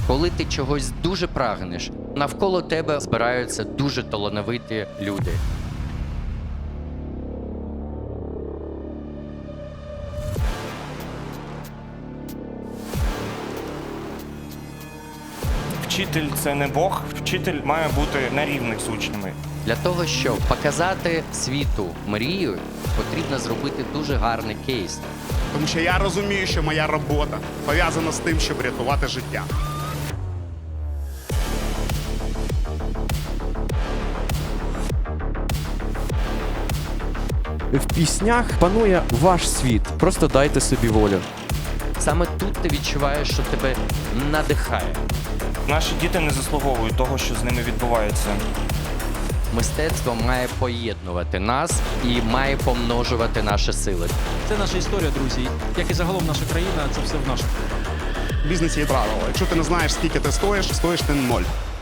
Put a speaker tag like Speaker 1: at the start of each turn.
Speaker 1: Коли ти чогось дуже прагнеш, навколо тебе збираються дуже талановиті люди.
Speaker 2: Вчитель – це не Бог, вчитель має бути на рівних з учнями.
Speaker 1: Для того, щоб показати світу мрію, потрібно зробити дуже гарний кейс.
Speaker 3: Тому що я розумію, що моя робота пов'язана з тим, щоб рятувати життя.
Speaker 4: В піснях панує ваш світ. Просто дайте собі волю.
Speaker 1: Саме тут ти відчуваєш, що тебе надихає.
Speaker 2: Наші діти не заслуговують того, що з ними відбувається.
Speaker 1: Мистецтво має поєднувати нас і має помножувати наші сили.
Speaker 5: Це наша історія, друзі. Як і загалом наша країна, це все в наших.
Speaker 3: В бізнесі є правило. Якщо ти не знаєш, скільки ти стоїш ти ноль.